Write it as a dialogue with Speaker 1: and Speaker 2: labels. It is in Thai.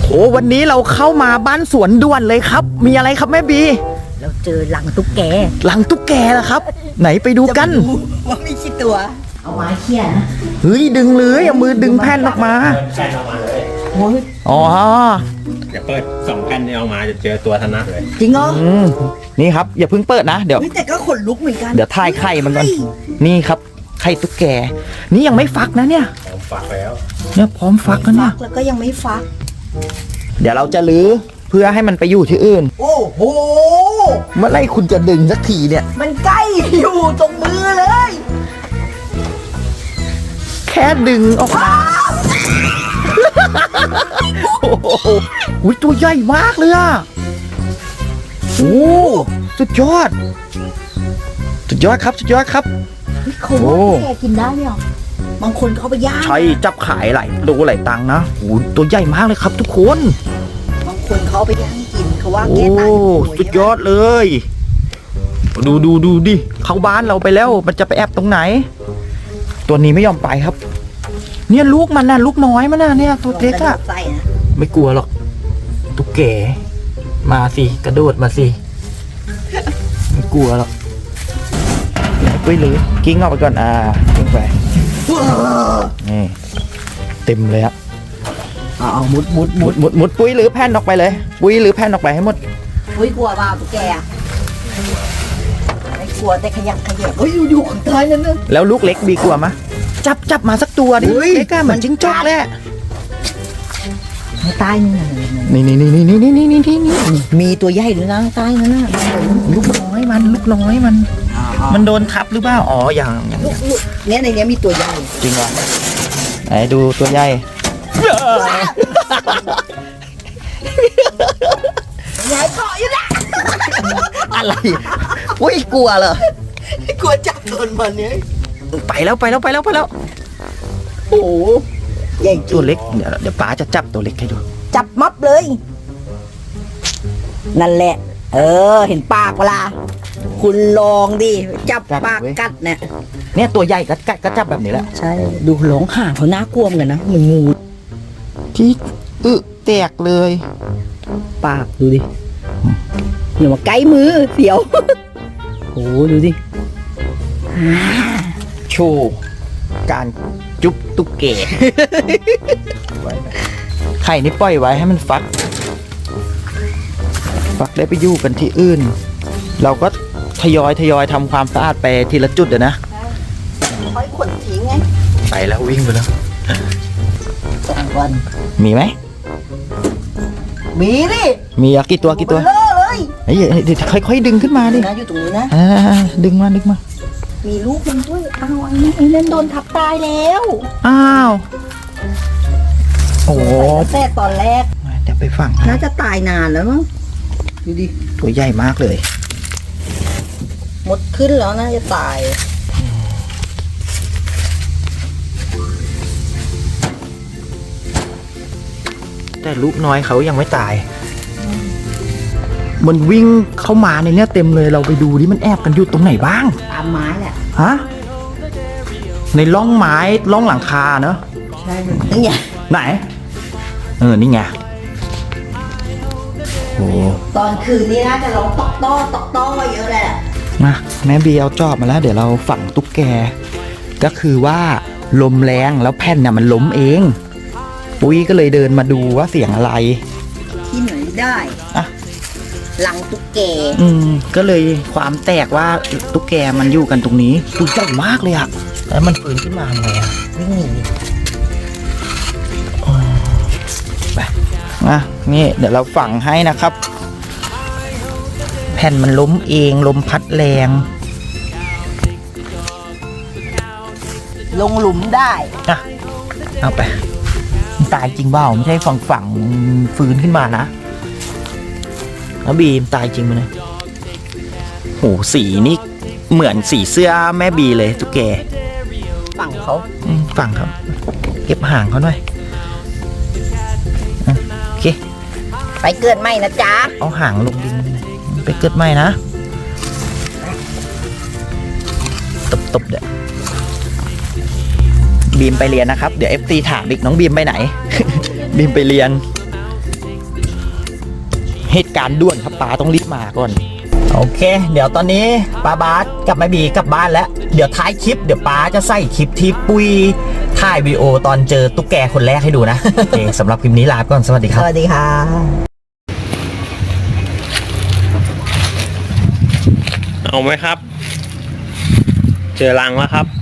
Speaker 1: โอ้วันนี้เราเข้ามาบ้านสวนด่วนเลยครับมีอะไรครับแม่บี
Speaker 2: เราเจอรังตุ๊กแก
Speaker 1: รังตุ๊กแกเหรอครับไหนไปดูกัน
Speaker 2: ว่ามีกี่ตัวเอาไม้เขี่ยนะ
Speaker 1: เฮ้ยดึงเลยเอามือดึงแผ่นออกมา
Speaker 3: แผ่นออกมาเลย
Speaker 1: อ๋อ
Speaker 3: เดี๋ยวเปิด2แผ่นนี้ออกมาจะเจอตัวธนัดเลย
Speaker 2: จริงเหรอ
Speaker 1: นี่ครับอย่าเพิ่งเปิดนะเดี๋ยว
Speaker 2: แต่ก็ขนลุกเหมือนกัน
Speaker 1: เดี๋ยวถ่ายไข่มันก่อนนี่ครับไข่ตุ๊กแกนี่ยังไม่ฟักนะเนี่ย
Speaker 3: พร้อมฟักแล้ว
Speaker 1: เนี่ยพร้อมฟักแล้วเนี่ย
Speaker 2: แล้วก็ยังไม่ฟัก
Speaker 1: เดี๋ยวเราจะลื้อเพื่อให้มันไปอยู่ที่อื่น
Speaker 2: โอ้โห
Speaker 1: เมื่อไรคุณจะดึงสักทีเนี่ย
Speaker 2: มันใกล้อยู่ตรงมือเลย
Speaker 1: แค่ดึงออกมาโอ้โหตัวใหญ่มากเลยอ่ะโอ้สุดยอดสุดยอดครับสุดยอดครับ
Speaker 2: เขาว่าแกกินได้เนี่ยบางคนเขาไปย่าง
Speaker 1: ใช่จับขายหลายตังค์นะโอ้ตัวใหญ่มากเลยครับทุกคน
Speaker 2: บางคนเขาไปย่างกินเขาว่าแกตาย
Speaker 1: สุดยอดเลยดูดิเข้าบ้านเราไปแล้วมันจะไปแอบตรงไหนตัวนี้ไม่ยอมไปครับเนี่ยลูกมันน่ะลูกน้อยมันน่ะเนี่ยตัวเล็กอะไม่กลัวหรอกตุ๊กแกมาสิกระโดดมาสิไม่กลัวหรอกไปเลยกิ้งออกไปก่อนกิ้งไปนี่เต็มเลยอะ
Speaker 2: เอามุด
Speaker 1: ปุ้ยหรือแผ่นออกไปเลยปุ้ยหรือแผ่นออกไปให้หมด
Speaker 2: ปุ้ยกลัวเปล่าตุ๊กแกไม่กลัวแต่ขยับเฮ้ยอยู่ข้างใต้นั่นนึง
Speaker 1: แล้วลูกเล็กบีกลัวมะจับมาสักตัวดิเล็กอะเหมือนจิ้งจอกแหละ
Speaker 2: ใต้นี่
Speaker 1: นี่
Speaker 2: มีตัวใหญ่ด้วยนะใต้นั่นน่ะ
Speaker 1: ลูกน้อยมันโดนทับหรือเปล่าอ๋ออย่าง
Speaker 2: เนี่ยในนี้มีตัวใหญ่
Speaker 1: จริงเหรอไหนดูตัวใหญ่
Speaker 2: ใหญ่เกาะอยู่นะ
Speaker 1: อะไรอุ้ยกลัวเหร
Speaker 2: อกลัวจับโดนมันเนี่ย
Speaker 1: ไปแล้ว
Speaker 2: โอ้ใหญ่
Speaker 1: ตัวเล็กเดี๋ยวป๋าจะจับตัวเล็กให้ดู
Speaker 2: จับมับเลย นั่นแหละเห็นปากเวลาคุณลองดิจับปากกัด
Speaker 1: เนี่ยตัวใหญ่ก็จับแบบนี้แหละ
Speaker 2: ใช่ดูหลงห่างเขาน่ากลัวเหมือนกันนะเหมือนงู
Speaker 1: ที่แตกเลย
Speaker 2: ปากดูดิอย่ามาใกล้มือเสียวโอ้ดูดิ
Speaker 1: โชว์การจุ๊บตุ๊กแกไข่นี่ปล่อยไว้ให้มันฟักได้ไปอยู่กันที่อื่นเราก็ทยอยทำความสะอาดไปทีละจุดนะ
Speaker 2: ค่อยขนทิ้งไง
Speaker 1: ไปแล้ววิ่งไปแล้ว
Speaker 2: 2 วัน
Speaker 1: มีไหม
Speaker 2: มีดิ
Speaker 1: มีกี่ตัว
Speaker 2: เลย
Speaker 1: เดี๋ยวค่อยๆดึงขึ้นมาดิ
Speaker 2: นะอยู่ตรงนี้นะ
Speaker 1: ดึงมา
Speaker 2: มีลูกมันด้วยอ้าวไอ้นั่นโดนทับตายแล้ว
Speaker 1: อ้าวโอ้
Speaker 2: แต่ตอนแรก
Speaker 1: เดี๋ยวไปฟัง
Speaker 2: น่าจะตายนานแล้วมั้งดูดิ
Speaker 1: ตัวใหญ่มากเลย
Speaker 2: หมดขึ้นแล้วน่าจะตาย
Speaker 1: แต่ลูกน้อยเขายังไม่ตายมันวิ่งเข้ามาในเนี้ยเต็มเลยเราไปดูดิมันแอบกันอยู่ตรงไหนบ้าง
Speaker 2: ตามไม้แหละ
Speaker 1: ฮะในร่องไม้ร่องหลังคาเนอะ
Speaker 2: ใช่นี่ไง
Speaker 1: ไหนนี่ไงโอ้
Speaker 2: ตอนคืนนี้น่าจะร้องตอกต้อเยอะแหละ
Speaker 1: มาแม่บีเอาจอบมาแล้วเดี๋ยวเราฝังตุ๊กแกก็คือว่าลมแรงแล้วแผ่นเนี่ยมันล้มเองปุ้ยก็เลยเดินมาดูว่าเสียงอะไร
Speaker 2: ที่ไหนได้หลังตุ๊กแก
Speaker 1: ก็เลยความแตกว่าตุ๊กแกมันอยู่กันตรงนี้ตัวใหญ่มากเลยอะแล้วมันฟื้นขึ้นมาไงอะ
Speaker 2: วิ่งหนี
Speaker 1: ไปนี่เดี๋ยวเราฝังให้นะครับแผ่นมันล้มเองลมพัดแรง
Speaker 2: ลงหลุมได้
Speaker 1: เอาไปตายจริงเปล่าไม่ใช่ฝังฟื้นขึ้นมานะแล้วบีมตายจริงมั้ยโหสีนี่เหมือนสีเสื้อแม่บีเลยตุ๊กแก
Speaker 2: ฝั่งเขา
Speaker 1: เก็บห่างเขาหน่อยโอเค
Speaker 2: ไปเกิดใหม่นะจ๊ะ
Speaker 1: เอาห่างลงดินไปเกิดใหม่นะตบเดี๋ยวบีมไปเรียนนะครับเดี๋ยว FT ถามอีกน้องบีมไปไหนบีมไปเรียนเหตุการณ์ด่วนครับป้าต้องรีบมาก่อนโอเค เดี๋ยวตอนนี้ป้าบาสกับแม่บีกลับบ้านแล้วเดี๋ยวท้ายคลิปเดี๋ยวป้าจะใส่คลิปที่ปุ้ยถ่ายวีดีโอตอนเจอตุ๊กแกคนแรกให้ดูนะ โอเคสำหรับคลิปนี้ลาไปก่อนสวัสดีค
Speaker 2: ส
Speaker 1: รับ
Speaker 2: วัสดีค่ะ
Speaker 3: เอาไหมครับ เจอรังแล้วครับ